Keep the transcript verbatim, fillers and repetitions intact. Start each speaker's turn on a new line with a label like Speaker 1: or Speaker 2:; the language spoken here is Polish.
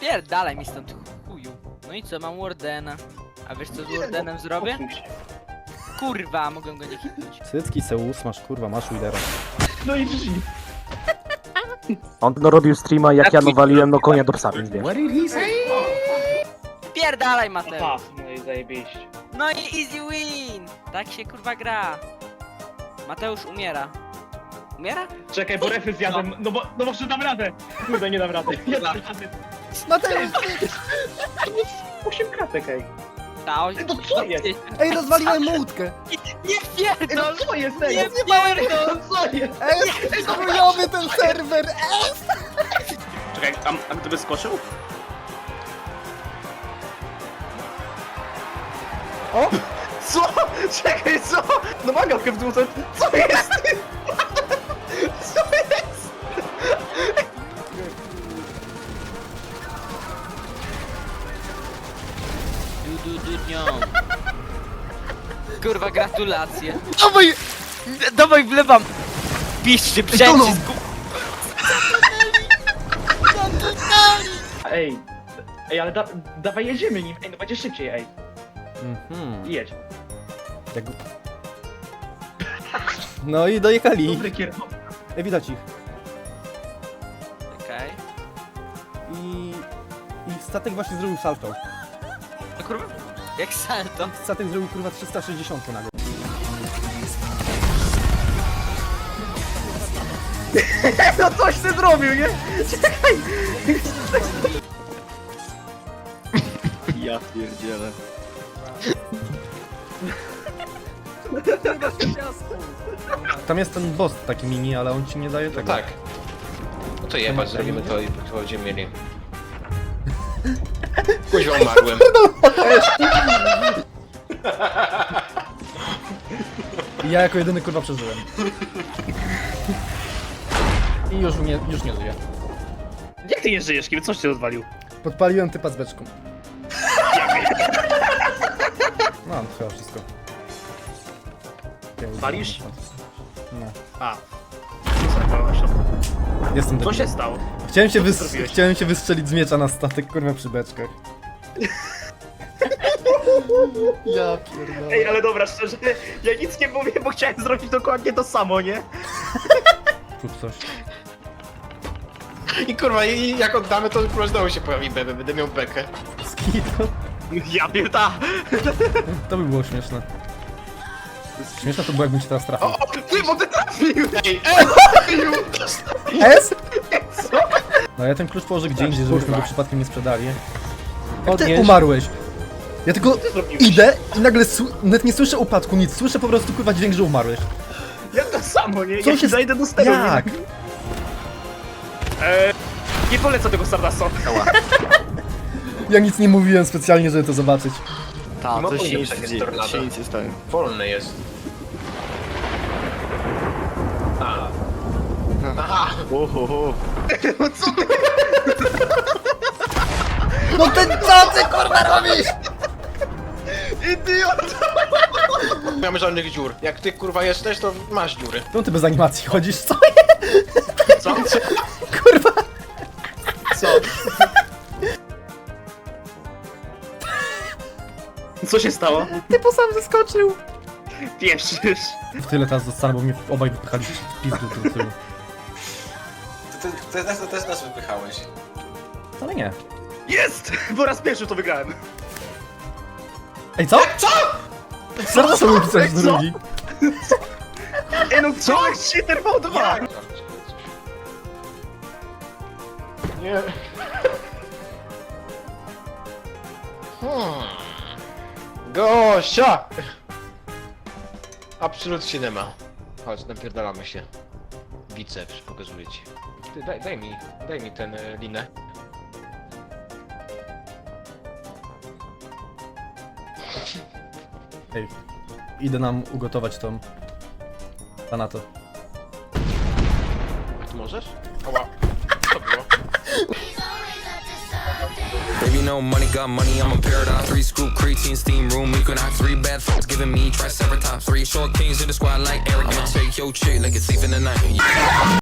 Speaker 1: Pierdalaj mi stąd, chuju. No i co, mam Wardena. A wiesz co z Wardenem zrobię? Kurwa, mogę go nie hitnąć.
Speaker 2: Cycki Seus, masz kurwa, masz Widera.
Speaker 3: No i G G.
Speaker 4: On no robił streama jak ja nawaliłem no konia do psa, więc wiesz.
Speaker 1: Pierdalaj, Mateusz.
Speaker 3: Aha, no i zajebiście.
Speaker 1: No i easy win. Tak się kurwa gra. Mateusz umiera. Umiera?
Speaker 3: Czekaj, bo refy zjadłem, no bo, no może dam radę. Kurde, nie dam rady. Nie dam rady.
Speaker 2: Mateusz!
Speaker 3: Osiem kratek, ej.
Speaker 1: Ta, o...
Speaker 3: No co jest?
Speaker 2: Ej, rozwaliłem mu łódkę!
Speaker 1: Nie
Speaker 3: Ej, no
Speaker 1: pierdol!
Speaker 3: co jest,
Speaker 1: Nie
Speaker 3: ej?
Speaker 1: pierdol!
Speaker 3: No co jest?
Speaker 2: Ej, chujowy ten serwer! Ej!
Speaker 3: Czekaj, a, a gdyby skoczył?
Speaker 2: O!
Speaker 3: Co? Czekaj, co? No ma gałkę w dół, co? Co jest? Co jest?
Speaker 1: Du, du, du, nią. Kurwa, gratulacje.
Speaker 2: Dawaj!
Speaker 1: Dawaj, wlewam! Piszcie, przycisk!
Speaker 3: Ej, ej, ale da, dawaj jedziemy nim, ej, no będzie szybciej, ej.
Speaker 2: Mhm.
Speaker 3: Jedź.
Speaker 2: Jak... No i dojechali.
Speaker 3: Dobry kierowca.
Speaker 2: Ej, widać ich.
Speaker 1: Okej.
Speaker 2: I... I statek właśnie zrobił salto.
Speaker 1: No kurwa, jak salto.
Speaker 2: Statek zrobił kurwa trzysta sześćdziesiąt nagle.
Speaker 3: No coś ty zrobił, nie? Czekaj! Ja pierdzielę.
Speaker 2: Tam jest ten boss taki mini, ale on ci nie daje tego.
Speaker 5: Tak. No to jebać, zrobimy to i to będziemy mieli. Kuźwa umarłem.
Speaker 2: I ja jako jedyny kurwa przeżyłem. I już nie, już nie żyję.
Speaker 3: Jak ty nie żyjesz, kiedy coś cię rozwalił?
Speaker 2: Podpaliłem typa z beczką. No, to chyba wszystko.
Speaker 3: Walisz?
Speaker 2: No.
Speaker 3: A.
Speaker 2: Jestem
Speaker 3: Co
Speaker 2: debilem.
Speaker 3: się stało?
Speaker 2: Chciałem się,
Speaker 3: Co ty
Speaker 2: wys-
Speaker 3: zrobiłeś?
Speaker 2: chciałem się wystrzelić z miecza na statek, kurwa, przy beczkach. Ja pierdolę.
Speaker 3: Ej, ale dobra, szczerze, ja nic nie mówię, bo chciałem zrobić dokładnie to samo, nie?
Speaker 2: Rób coś.
Speaker 5: I kurwa, i jak oddamy, to kurwa znowu się pojawi bebe, będę miał bekę.
Speaker 2: Skito.
Speaker 3: Ja pierda!
Speaker 2: To by było śmieszne. Śmieszne to było, jakbym cię teraz trafił.
Speaker 3: O, ty, bo ty trafił!
Speaker 5: Ej,
Speaker 2: S? No ja ten klucz położę gdzie indziej, żebyśmy go przypadkiem nie sprzedali. Ty umarłeś. Ja tylko
Speaker 3: zrobiłeś?
Speaker 2: idę i nagle sł- nawet nie słyszę upadku, nic. Słyszę po prostu kurwa dźwięk, że umarłeś.
Speaker 3: Ja to samo, nie?
Speaker 2: Co
Speaker 3: ja
Speaker 2: się
Speaker 3: zajdę do steru.
Speaker 2: Jak?
Speaker 3: Nie, eee, nie polecę tego Stardasta.
Speaker 2: Ja nic nie mówiłem specjalnie, żeby to zobaczyć.
Speaker 5: Ta, to się nic nie dzieje, się nic nie stanie. Wolny jest. A. Aha!
Speaker 3: Ohoho.
Speaker 2: No ten co ty kurwa robisz?
Speaker 3: Idiot!
Speaker 5: Nie mamy żadnych dziur. Jak ty kurwa jesteś, to masz dziury.
Speaker 2: No ty bez animacji chodzisz, co?
Speaker 3: Co?
Speaker 2: Kurwa!
Speaker 3: Co? Co się stało?
Speaker 2: Typu sam zeskoczył.
Speaker 3: Pieszysz.
Speaker 2: W tyle teraz zostanę, bo mnie obaj wypychali w pizdu do tyłu.
Speaker 5: Ty, ty, ty, ty też nas wypychałeś.
Speaker 2: Ale nie.
Speaker 3: Jest! Po raz pierwszy to wygrałem.
Speaker 2: Ej, co? Co? Co sobie pisać
Speaker 3: Co?
Speaker 2: drugi?
Speaker 3: Ej, no co? Cheater był dwa!
Speaker 5: Nie. Hmm. Gościa! Absolutnie nie ma. Chodź, napierdalamy się. Biceps, pokazuję ci. Ty, daj, daj mi, daj mi ten e, linę.
Speaker 2: Ej, idę nam ugotować tą... Tanato.
Speaker 5: Ty możesz? Ała. Co było?
Speaker 6: Baby, no money, got money, I'm a paradise. Three scoop creatine steam room, you can have three bad folks giving me triceratops. Three short kings in the squad like Eric. I'ma take your chick like it's safe in the night. Yeah.